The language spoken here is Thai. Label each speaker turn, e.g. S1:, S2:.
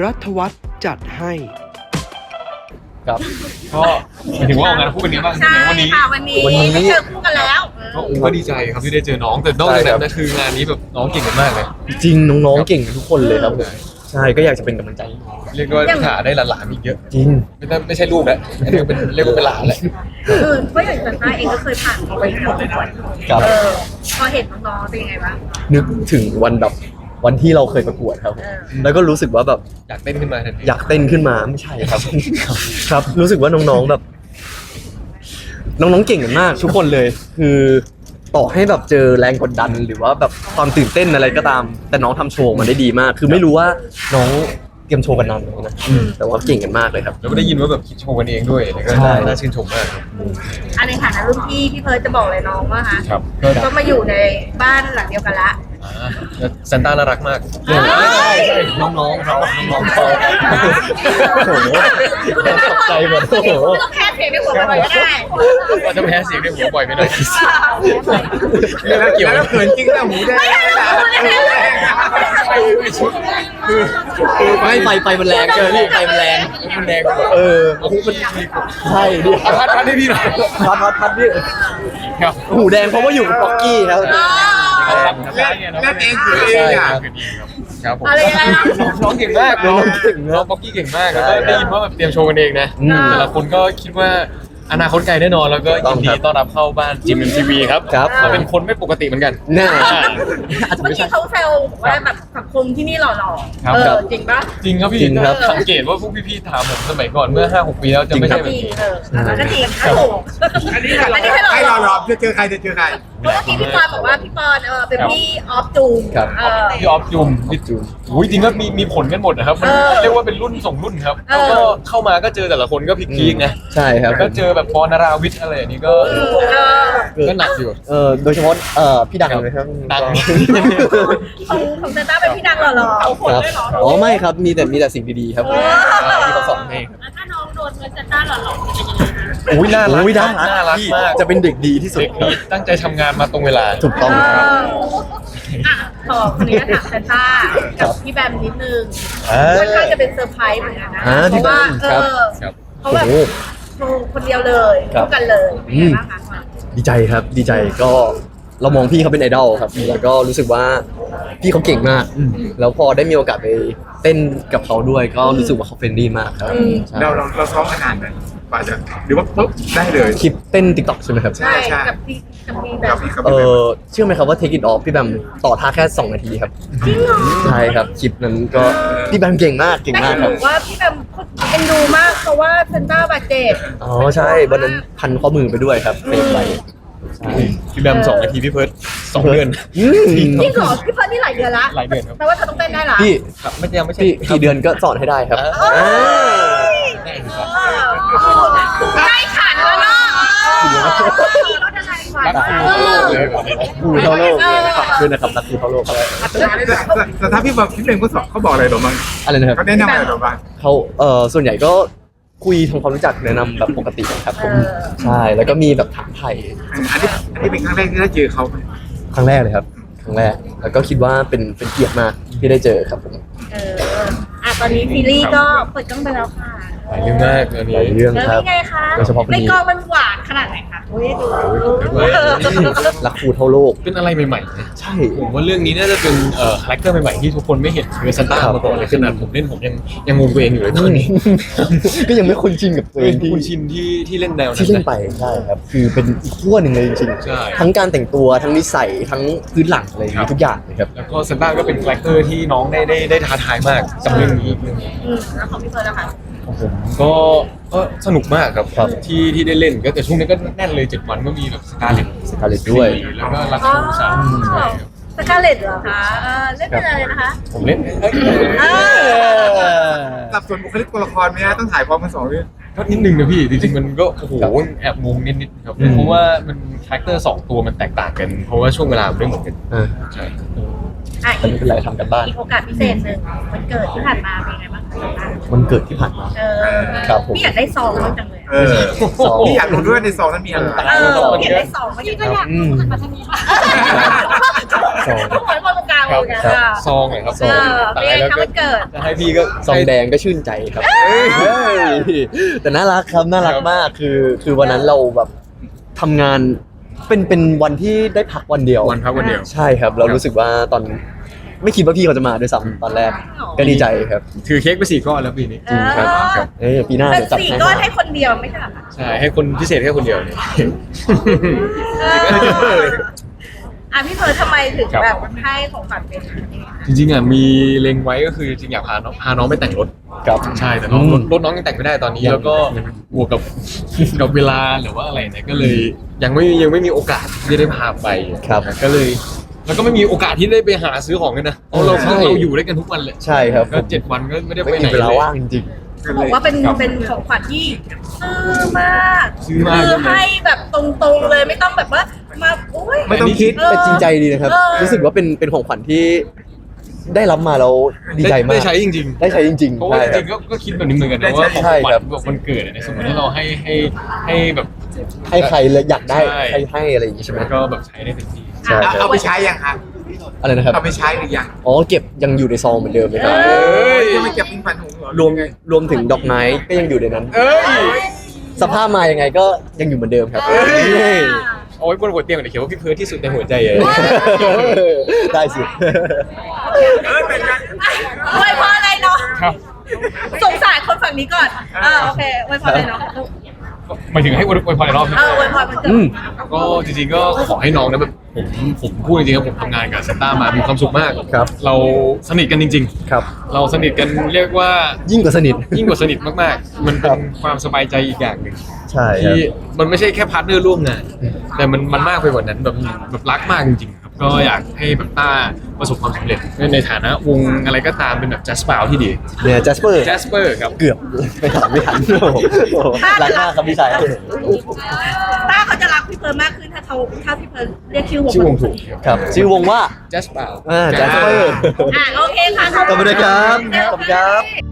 S1: รัฐวัฒน์จัดให้
S2: ครับก็หมายถึงว่าออกงานคู่กันนี้บ้าง
S3: ใช่
S2: วันนี้
S3: ค่ะวันนี้ได้เจอคู่กันแล้ว
S2: ก็ดีใจครับที่ได้เจอน้องแต่นอกจากนั้นนะคืองานนี้แบบน้องเก่งกันมากเลย
S4: จริงน้องๆเก่งกันทุกคนเลยครับผมใช่ก็อยากจะเป็นกำลังใจให้น้อง
S2: เรียกว่าหาได้หลานๆอีกเยอะ
S4: จริง
S2: ไม่ใช่ลูกแล้วอันนี้เป็นเรียกว่าเป็นหลานแหละ
S3: คือเพราะอย่างซันต้าเองก็เคยผ่านเขาไปแล้วประกวด
S4: ครับ
S3: พอเห็นน้องๆเป็นยังไงบ้าง
S4: นึกถึงวันที่เราเคยประกวดครับผมแล้วก็รู้สึกว่าแบบ
S2: อยากเต้นขึ้นมาทันที
S4: อยากเต้นขึ้นมาไม่ใช่ครับ ครับรู้สึกว่าน้องๆแบบ น้องๆเก่งกันมากทุกคนเลย คือต่อให้แบบเจอแรงกดดันหรือว่าแบบความตื่นเต้นอะไรก็ตาม แต่น้องทำโชว์มันได้ดีมาก คือไม่รู้ว่าน้องเตรียมโชว์กันนานไหมนะแต่ว่าเก่งกันมากเลยครับ
S2: แล้วก็ได้ยินว่าแบบคิดโชว์กันเองด้วยแล้วก็
S4: ใช่
S2: น่าชื่นชมมากครับ
S3: อันในฐานะรุ่นพี่เพิร์ทจะบอกอะไรน้องว่าคะ
S2: ครับ
S3: ก็มาอยู่ในบ้านหลังเดียวกันละ
S2: แล้วซันต้าน่ารักมาก
S4: ใช่น้องๆเขาน้องๆเขาโอ้โหตกใจหมดโอ้โห
S3: ไม่ต้องแค่เพลงในหัวไปก็ได้
S2: ว่าจะแพ้เสียงในหัวบ่อยไปหน่อย
S5: แล้วเกี่ยวแล้วเขินจริงแล้วหมูแดง
S4: ไม่ไฟมันแรงเกินพี่ไฟมันแรง
S2: มันแดง
S4: ใช่ดิ
S2: พัดให้พี่หน่อย
S4: พัดพี่
S2: ครับ
S4: หูแดงเพราะว่าอยู่กับป๊อกกี้ครับ
S5: เล่นเองเขินเองอ่ะ
S2: ครับผม
S3: อะไรอะไร
S2: น้องเก่งมากน้องป๊อกกี้เก่งมากแล้วก็ได้ยินว่าแบบเตรียมโชว์กันเองนะแต่ละคนก็คิดว่าอนาคตไกลแน่นอนแล้วก็ยินดีต้อนรับเข้าบ้านจิมเอ็มทีวีครับเราเป็นคนไม่ปกติเหมือนกัน
S4: แน่
S3: เมื่อกี้เขาแซวว่าแบบสังคมที่นี่หล่อ
S2: ครับ
S3: จริงปะ
S2: จริงครับพี่สังเกตว่าพวกพี่ๆถามผมสมัยก่อนเมื่อ 5-6 ปีแล้วจะไม่ใช่แบ
S3: จ
S2: บ
S3: ริง
S2: นี้
S3: ก็จริงโอ้โห
S5: อันนี้ให้เราหลอกจะเจอใครจะเจอใคร
S3: เพราะเมื่อกี้พี่ปอนบอกว่าพี่ปอนเป็นพี่ออฟจูม
S2: พี่ออฟจุมพี่จุมอุ้ยจริงก็มีผลกันหมดนะครับมันเรียกว่าเป็นรุ่นส่งรุ่นครับแล้วก็เข้ามาก็เจอแต่ละคนก็พีคๆนะ
S4: ใช่ครับ
S2: ก็เจอแบบปอนาราวิทย์อะไรอย่างนี้ก็หนักอยู่
S4: โดยเฉพาะพี่ดังเลยครับ
S2: ดัง
S3: ของเซนต้าเป็นพี่ดังหล่อๆเอาคน
S4: ครับ
S3: ด้วยเหรอ
S4: อ๋อไม่ครับมีแต่สิ่งดีๆครับที่เขาสอนให้ครับ
S3: ถ้าน้องโดนเซนต้าหล่อๆจะเป็นยังไงนะ
S2: อุ้ยน่ารัก
S4: โอ้ยน่า
S2: น่ารัก
S4: พี่
S2: มาก
S4: จะเป็นเด็กดีที่สุด
S2: เด็กนี่ตั้งใจทำงานมาตรงเวลา
S4: ถูกต้องครับ
S3: ขอคนนี้ถามเซนต้ากับพี่แบมนิดนึงค่อนข้างจะเป็นเซอร์ไพรส์เหมือนกันนะเพราะว่า
S2: ครับ
S3: เขาแบบโชว์คนเดียวเลยคู่กันเลยเป็นไงบ้างคะ
S4: ดีใจครับดีใจก็เรามองพี่เขาเป็นไอดอลครับแล้วก็รู้สึกว่าพี่เขาเก่งมาก แล้วพอได้มีโอกาสไปเต้นกับเขาด้วย ก็รู้สึกว่าเขาเฟรนดี้มากครับใช่
S5: เราซ้อมมานานไหมกว่าจะหรือว่าปุ๊บได้เลย
S4: คลิปเต้นติ๊กต็อกใช่ไหมครับ
S3: ใช่กับพี่แบ
S5: กั
S3: ม
S5: บพี่กับ
S4: เชื่อไหมครับว่า Take It Off พี่แบมต่อท่าแค่ 2 นาทีครับ
S3: จริงเหรอ
S4: ใช่ครับคลิปนั้นก็พี่แบมเก่งมากเก่ง
S3: แต่
S4: มาก
S3: ห
S4: ครั
S3: นู
S4: บ
S3: ว่าพี่แบมเอ็นดูมากเพราะว่าเซนต้าบาดเจ็บ
S4: อ๋อใช่วันนั้นพันข้อมือไปด้วยครับเฟรมไปใช่
S2: พี่แบม2 นาทีพี่เพิร์ด2 เดือน
S3: จริงเหรอพี่เพิร์นนี่หลายเดือนละ
S2: หลายเดือนครับ
S3: แปลว่าเธอต้องเต้นได้ละ
S4: พี่
S2: ครับไม่ยังไม่ใช่
S4: พี่กี่เดือนก็สอนให้ได้ครับ
S3: ได้ขันแล้วเนาะรถอะไรขัน
S2: รักคู่เลยแบบนี้
S4: ครูเท่าโลกขอบคุณนะครับรักครูเท่าโลกครับ
S5: แต่ถ้าพี่บอกคลิปหนึ่งเขาบอกอะไรหรอบ้าง
S4: อะไรนะครับ
S5: เขาแนะนำอะไรหรอบ้าง
S4: เขาส่วนใหญ่ก็คุยทำความรู้จักแนะนำแบบปกติครับผมใช่แล้วก็มีแบบถามไทย
S5: อันนี้เป็นครั้งแรกที่ได้เจอเขาไหม
S4: ครั้งแรกเลยครับครั้งแรกแล้วก็คิดว่าเป็นเกียรติมากที่ได้เจอครับผม
S3: ตอนนี้ซีรีส์ก็เปิดกล้องไปแล้วค่ะ
S2: หลายเรื่องมากอันนี้
S4: หลายเรื่อง
S3: แล้ว
S4: ครับ
S3: นี่ไงคะ
S4: โดยเฉพาะคน
S3: ใน
S4: นี้
S3: กองมันหวานขนาดไหนคะโอ้ยดู
S4: รักครูเท่าโลก
S2: เป็นอะไรใหม่ๆนะ
S4: ใช่
S2: ผมว่าเรื่องนี้น่าจะเป็นคาแรคเตอร์ใหม่ๆที่ทุกคนไม่เห็นเวซันต้ามาก่อนเลยขนาดผมเล่นผมยังงงตัวเองอยู่เลยตอนนี้
S4: ก็ยังไม่คุ้นชินกับตัวเอ
S2: เป็
S4: ง
S2: นคุณชินที่เล่นแนว
S4: ที่
S2: นั้น
S4: เล่นไปใช่ครับคือเป็นอีกขั้วหนึ่งเลยจริง
S2: ใช่
S4: ๆทั้งการแต่งตัวทั้งนิสัยทั้งพื้นหลังอะไรอย่างนี้ทุกอย่างเลยครับ
S2: แล้วก็ซันต้าก็เป็นคาแรคเตอร์ที่น้องได้ท้าทายมากกับเรื่องนี้
S3: แล้วของพี่เฟิร์นนะคะ
S2: ของผมก็สนุกมากครับที่ได้เล่นก็แต่ช่วงนี้ก็แน่นเลย7 วันก็มีแบบสกาเลต
S4: Scarlett ด้วย
S2: แล้วก็รักชูสามใช่ครับ
S3: สกาเลตเหรอคะเล่นเป็นอะไรนะคะ
S2: ผมเล่น
S5: สับสนบุคลิกตัวละครไหมฮะต้องถ่ายพร้อมกัน2 เรื่อง
S2: ก็นิดนึงนะพี่จริงๆมันก็โอ้โหแอบงงนิดๆครับเพราะว่ามันคาแรคเตอร์2 ตัวมันแตกต่างกัน เพราะว่าช่วงเวลามันไม่เหมือนกัน
S4: อ่า
S2: ใช่
S4: อันนี้เป็นไรทำกันบ้าน
S3: อีกโอกาสพิเศษหนึ่งวันเกิดที่ผ่านมาเป็นไงบ้างคะ
S4: วันเกิดที่ผ่านมา ครับผม
S3: พี่อยากได้ซองบ้างจังเลย
S5: พี่อยากรู้ด้วยในซองนั้นมีอะไร
S3: พี่อยากได้ซองบ้างจังเลย
S4: อืม
S3: ขอให้มาตรงกลาง
S2: ครับ
S3: เลย
S2: ครับ
S3: ค่ะ
S2: ซองเลยครับซ
S3: เอ
S2: อง
S3: อเป็นไงคะวันเกิด
S2: จะให้พี่ก็
S4: ซองแดงก็ชื่นใจครับเฮ้ยแต่น่ารักครับน่ารักมากคือวันนั้นเราแบบทำงานเป็นวันที่ได้พักวันเดียว
S2: วันพักวันเดียว
S4: ใช่ครับ เรารู้สึกว่าตอนไม่คิดว่าพี่เขาจะมาด้วยซ้ำตอนแรกก็ดีใจครับ
S2: ถือเค้กไป4 ก้อนแล้วปีนี้
S3: จริงครับ
S2: ครับ
S4: ปีหน้า
S3: เป็น
S4: เดี๋ยวจัด
S3: สี่
S4: ให้
S3: ก้อนให้คนเดียวไม่ใช่เหรอคะ
S2: ใช่ให้คนพิเศษแค่คนเดียวเนี่ย
S3: อ่ะพี่เพิร์ททำไมถึง
S2: ครับ
S3: แบบให้ของขวัญเป็นอันนี้
S2: จริงๆอ่ะมีเล็งไว้ก็คือจริงๆอยากพาน้องไปแต่งรถ
S4: ครับ
S2: ใช่แต่น้อง
S4: อืม
S2: รถน้องยังแต่งไม่ได้ตอนนี้
S4: ยัง
S2: แล้วก็บวกกับ กับเวลาหรือว่าอะไรเนี่ยก็เลยยังไม่มีโอกาสที่ได้พาไป
S4: ครับ
S2: ก็เลยแล้วก็ไม่มีโอกาสที่ได้ไปหาซื้อของกันนะเพราะเรา
S4: ใช่
S2: เราอยู่ด้วยกันทุกวันเลย
S4: ใช่ครับ
S2: ก็7 วันก็ไม่ได้
S4: ไม่
S2: ไปไหน
S4: มีเวลา
S2: เลย
S4: ว่างจริง
S3: เขาบอกว่าเป็น
S2: ครับ
S3: เป็นของขวัญที่ซื้อมาก
S2: ซื้อมาก
S3: คือให้แบบตรงๆเลยไม่ต้องแบบว่ามาโอ้ย
S5: ไม่ต้องคิด
S4: ๆแต่จริงใจดีนะครับ
S3: เออ
S4: รู้สึกว่าเป็นของขวัญที่ได้รับมาแล้วดีใจมาก
S2: ได้ใช้จริงๆ
S4: ได้ใช้จริง
S2: เพราะ
S4: ๆ
S2: ว่า
S4: ใช่
S2: จ
S4: ครั
S2: ริ
S4: บ
S2: งๆก็คิดแบบนี้เหมือนกันนะว่าของ
S4: ใช่
S2: ขวัญ
S4: ครับ
S2: แบบวันเกิดอะในสมมติถ้าเราให้แบบ
S4: ให้ใครเลยอยากได้
S2: ใช่
S4: ให้อะไรอย่างงี้ใช่ไหม
S2: ก็แบบใช้ได้เต็มที่
S4: ใช่ครับ
S5: เอาไปใช้ยังครับ
S4: อะไรนะครับ
S5: เอาไปใช้หรือยัง
S4: อ๋อเก็บยังอยู่ในซองเหมือนเดิมเลยครับ
S2: เอ้ย
S5: ยังไม่เก็บเป็นฝันหงส์เหรอ
S4: รวมถึงดอกไม้ก็ยังอยู่ในนั้น
S2: เอ้ย
S4: สภาพมายังไงก็ยังอยู่เหมือนเดิมครับ
S2: เอ้ย
S4: เฮ้ย
S2: เอาไว้บนหัวเตียงเดี๋ยวเขียนว่าพี่เพิร์ทที่สุดในหัวใจเลย
S4: ได้สิ
S3: อวยพรอะไรเนาะ
S2: ครับ
S3: สงสารคนฝั่งนี้ก่อนโอเคอวยพรอะไรเนาะ
S2: หมายถึงให้อวยพรในรอบใช่ไหม
S3: อวยพรมันเกิด
S4: อืม
S2: ก็จริงๆก็ขอให้น้องนะแบบผมพูดจริงๆครับผมทำงานกับเซนต้ามามีความสุขมาก
S4: ครับ
S2: เราสนิทกันจริง
S4: ครับ
S2: ๆ เราสนิทกันเรียกว่า
S4: ยิ่งกว่าสนิท
S2: ยิ่งกว่าสนิทมากๆ มันเป็นความสบายใจอีกอย่างหนึ่ง
S4: ใช่ครับ
S2: ที่มันไม่ใช่แค่พาร์ทเนอร์ร่วมงาน แต่มันมากไปกว่านั้นแบบรักมากจริงๆครับก็อยากให้แบบต้าประสบความสำเร็จในฐานะวงอะไรก็ตามเป็นแบบแจสเปาที่ดี
S4: เนี่ยแจสเปอร์
S2: แจสเปอร์ครับ
S4: เกือบไม่ทันโอ้โหรักมากครับพี่ชาย
S3: ต้าเขาจะรักพี่เพิร์ลมากขึ้นถ้าพี่เพิร์ลเรียกชื่อวง
S2: ชื่อวงถูก
S4: ครับ ชื่อวงว่า
S2: แจสเปา
S4: แจสเปอร์
S3: โอเคค่ะ
S4: ขอบคุณนะครับขอบคุณครับ